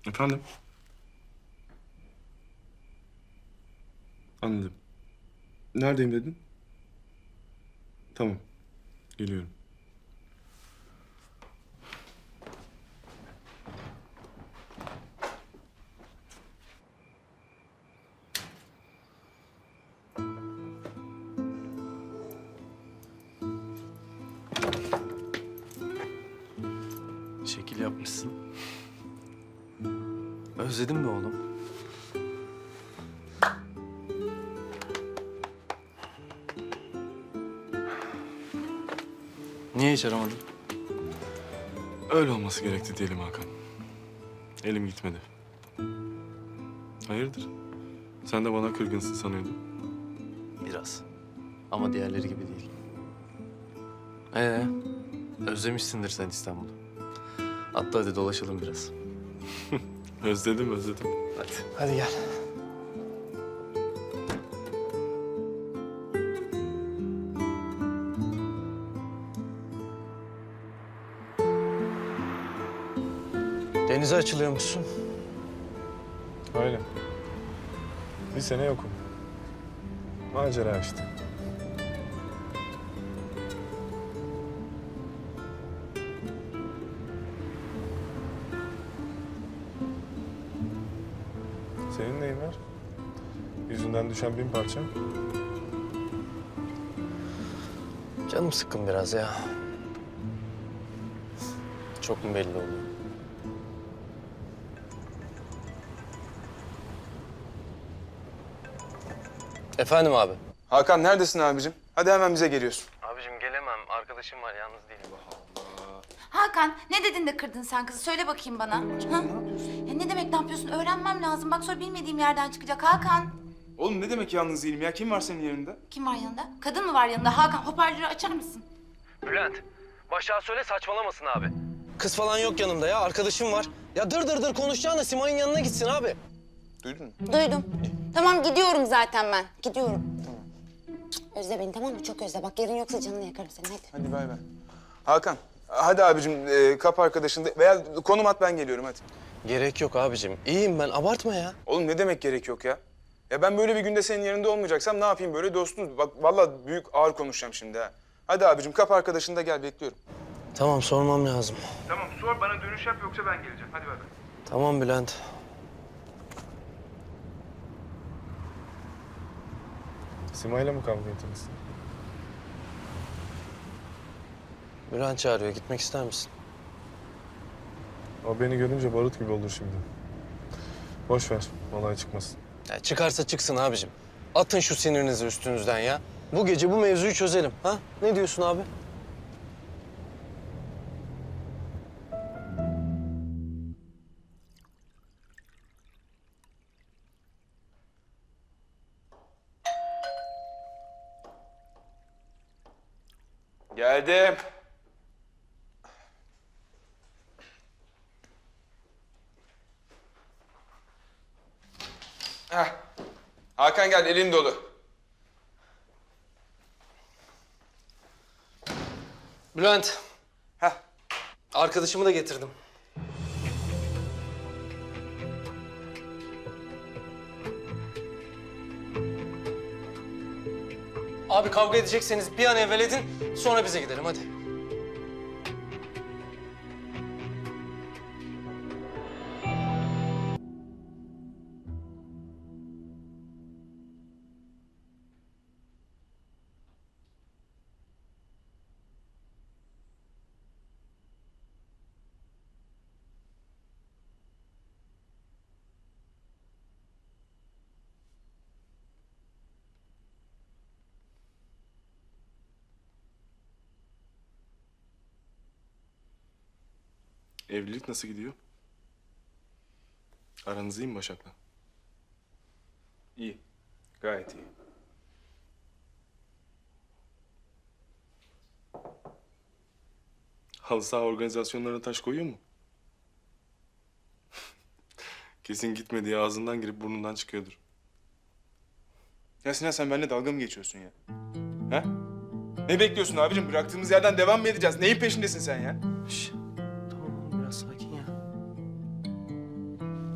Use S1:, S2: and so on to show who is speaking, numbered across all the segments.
S1: Efendim? Anladım. Neredeyim dedin? Tamam. Geliyorum.
S2: Şekil yapmışsın. Özledin mi oğlum? Niye hiç aramadın?
S1: Öyle olması gerekti diyelim Hakan. Elim gitmedi. Hayırdır? Sen de bana kırgınsın sanıyordum.
S2: Biraz. Ama diğerleri gibi değil. Özlemişsindir sen İstanbul'u. Hatta hadi dolaşalım biraz.
S1: Özledim.
S2: Hadi. Hadi gel. Denize açılıyormuşsun.
S1: Öyle. Bir sene yokum. Macera işte. Senin neyin var? Yüzünden düşen 1000 parça.
S2: Canım sıkkın biraz ya. Çok mu belli oluyor? Efendim abi.
S3: Hakan neredesin abicim? Hadi hemen bize geliyorsun.
S2: Abicim gelemem. Arkadaşım var. Yalnız değilim.
S4: Hakan, ne dedin de kırdın sen kızı? Söyle bakayım bana. Ha? Ne yapıyorsun? Ya ne demek ne yapıyorsun? Öğrenmem lazım. Bak sonra bilmediğim yerden çıkacak Hakan.
S3: Oğlum ne demek yalnız değilim ya? Kim var senin yanında?
S4: Kim var yanında? Kadın mı var yanında? Hakan, hoparlörü açar mısın?
S2: Bülent, Başak'a söyle saçmalamasın abi. Kız falan yok yanımda ya. Arkadaşım var. Ya dır konuşacağına Simay'ın yanına gitsin abi.
S3: Duydun mu?
S5: Duydum. Tamam gidiyorum zaten ben. Gidiyorum. Tamam. Özle beni tamam mı? Çok özle. Bak yarın yoksa canını yakarım seni hadi.
S3: Hadi bay bay. Hakan hadi abicim kap arkadaşında veya konum at ben geliyorum hadi.
S2: Gerek yok abicim. İyiyim ben. Abartma ya.
S3: Oğlum ne demek gerek yok ya? Ya ben böyle bir günde senin yanında olmayacaksam ne yapayım böyle dostuz? Bak vallahi büyük ağır konuşacağım şimdi ha. Hadi abicim kap arkadaşında gel bekliyorum.
S2: Tamam sormam lazım.
S3: Tamam sor bana dönüş yap yoksa ben geleceğim. Hadi bay bay.
S2: Tamam Bülent.
S1: Simay'la mı kavga ettiniz?
S2: Bülent çağırıyor. Gitmek ister misin?
S1: O beni görünce barut gibi olur şimdi. Boş ver, olay çıkmasın.
S2: Ya çıkarsa çıksın abicim. Atın şu sinirinizi üstünüzden ya. Bu gece bu mevzuyu çözelim. Ha? Ne diyorsun abi?
S3: Geldim. Heh. Hakan gel elin dolu.
S2: Bülent,
S3: Heh.
S2: arkadaşımı da getirdim. Abi kavga edecekseniz bir an evvel edin, sonra bize gidelim hadi.
S1: Evlilik nasıl gidiyor? Aranız iyi mi Başak'la?
S3: İyi. Gayet iyi.
S1: Halı saha organizasyonlarına taş koyuyor mu? Kesin gitmediği ağzından girip burnundan çıkıyordur.
S3: Ya Sinan sen benimle dalga mı geçiyorsun ya? Ha? Ne bekliyorsun abicim? Bıraktığımız yerden devam mı edeceğiz? Neyin peşindesin sen ya?
S2: Şş, tamam oğlum biraz sakin ya.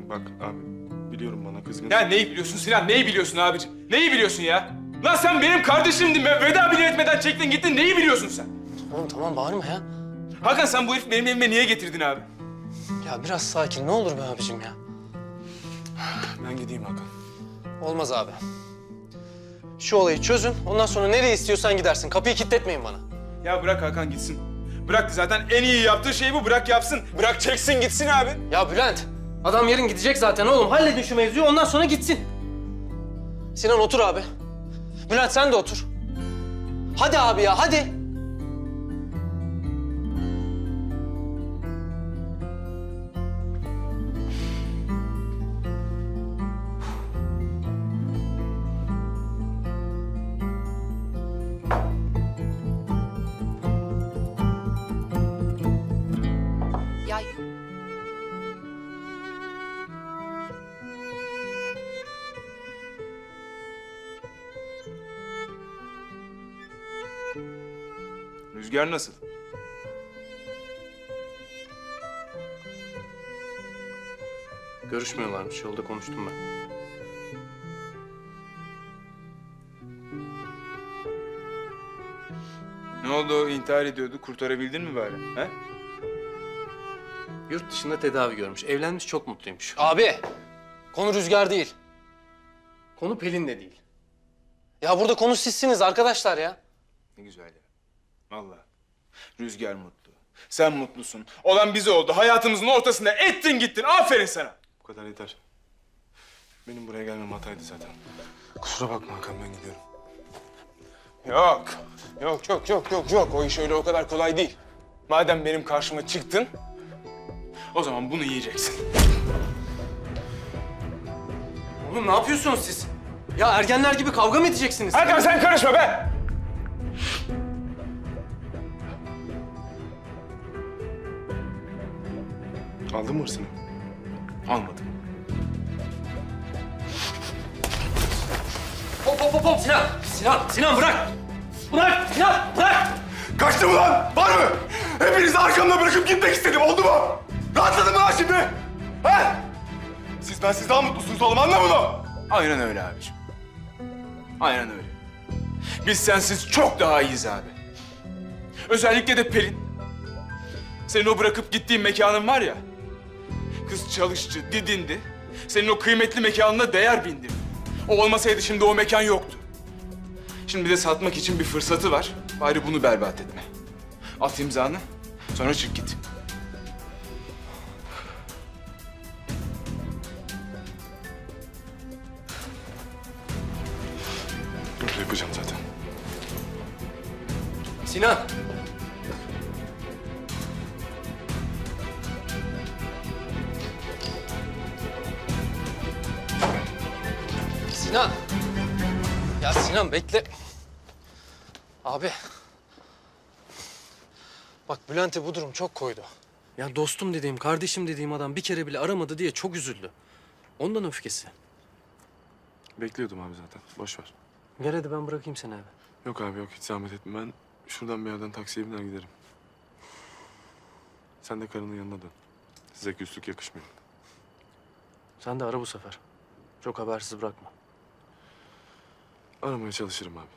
S1: bak abi biliyorum bana kızgın.
S3: Ya neyi biliyorsun Sinan? Neyi biliyorsun abicim? Neyi biliyorsun ya? Lan sen benim kardeşimdin be. Veda bile etmeden çektin gittin. Neyi biliyorsun sen?
S2: Oğlum tamam bağırma ya.
S3: Hakan sen bu herifi benim evime niye getirdin abi?
S2: Ya biraz sakin ne olur be abicim ya.
S1: Ben gideyim Hakan.
S2: Olmaz abi. Şu olayı çözün. Ondan sonra nereye istiyorsan gidersin. Kapıyı kilitletmeyin bana.
S3: Ya bırak Hakan gitsin. Bırak zaten en iyi yaptığı şey bu. Bırak yapsın. Bırak çeksin gitsin abi.
S2: Ya Bülent, adam yarın gidecek zaten oğlum. Halledin şu mevzuyu ondan sonra gitsin. Sinan otur abi. Bülent sen de otur. Hadi abi ya hadi.
S4: Ya
S3: Rüzgar nasıl?
S2: Görüşmüyorlarmış. Yolda konuştum ben.
S3: Ne oldu o intihar ediyordu? Kurtarabildin mi bari? He?
S2: Yurt dışında tedavi görmüş. Evlenmiş çok mutluymuş. Abi, konu Rüzgar değil. Konu Pelin'le değil. Ya burada konu sizsiniz arkadaşlar ya.
S3: Ne güzel ya. Vallahi. Rüzgar mutlu. Sen mutlusun. Olan bize oldu. Hayatımızın ortasında ettin gittin. Aferin sana.
S1: Bu kadar yeter. Benim buraya gelmem hataydı zaten. Kusura bakma Hakan ben gidiyorum.
S3: Yok. Yok. O iş öyle o kadar kolay değil. Madem benim karşıma çıktın, o zaman bunu yiyeceksin.
S2: Oğlum ne yapıyorsunuz siz? Ya ergenler gibi kavga mı edeceksiniz?
S3: Hakan sen karışma be!
S1: Aldın mı hırsını?
S3: Almadım.
S2: Hop Sinan! Sinan bırak! Bırak Sinan bırak!
S6: Kaçtım ulan! Var mı? Hepinizi arkamda bırakıp gitmek istedim. Oldu mu? Rahatladın mı lan şimdi? He? Siz bensiz daha mutlusunuz oğlum. Anla bunu.
S3: Aynen öyle abiciğim. Aynen öyle. Biz sensiz çok daha iyiyiz abi. Özellikle de Pelin. Senin o bırakıp gittiğin mekanın var ya. Kız çalışçı, didindi. Senin o kıymetli mekanına değer bindirdi. O olmasaydı şimdi o mekan yoktu. Şimdi bir de satmak için bir fırsatı var. Bari bunu berbat etme. At imzanı, sonra çık git.
S1: Öyle yapacağım zaten.
S2: Sinan! Sinan! Ya Sinan bekle. Abi. Bak Bülent'e bu durum çok koydu. Ya dostum dediğim, kardeşim dediğim adam bir kere bile aramadı diye çok üzüldü. Ondan öfkesi.
S1: Bekliyordum abi zaten. Boş ver.
S2: Gel hadi ben bırakayım seni eve.
S1: Yok abi yok hiç zahmet etme. Ben şuradan bir yerden taksiye biner giderim. Sen de karının yanına dön. Size küslük yakışmıyor.
S2: Sen de ara bu sefer. Çok habersiz bırakma.
S1: Aramaya çalışırım abi.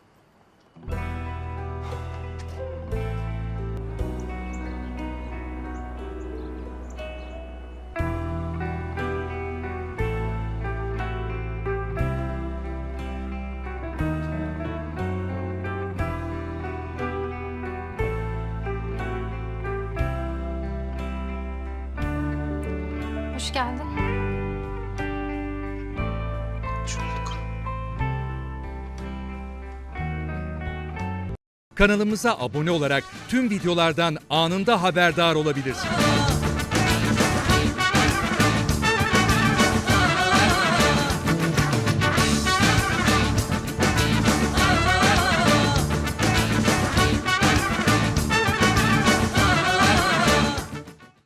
S7: Hoş geldin.
S2: Hoş bulduk.
S8: Kanalımıza abone olarak tüm videolardan anında haberdar olabilirsiniz.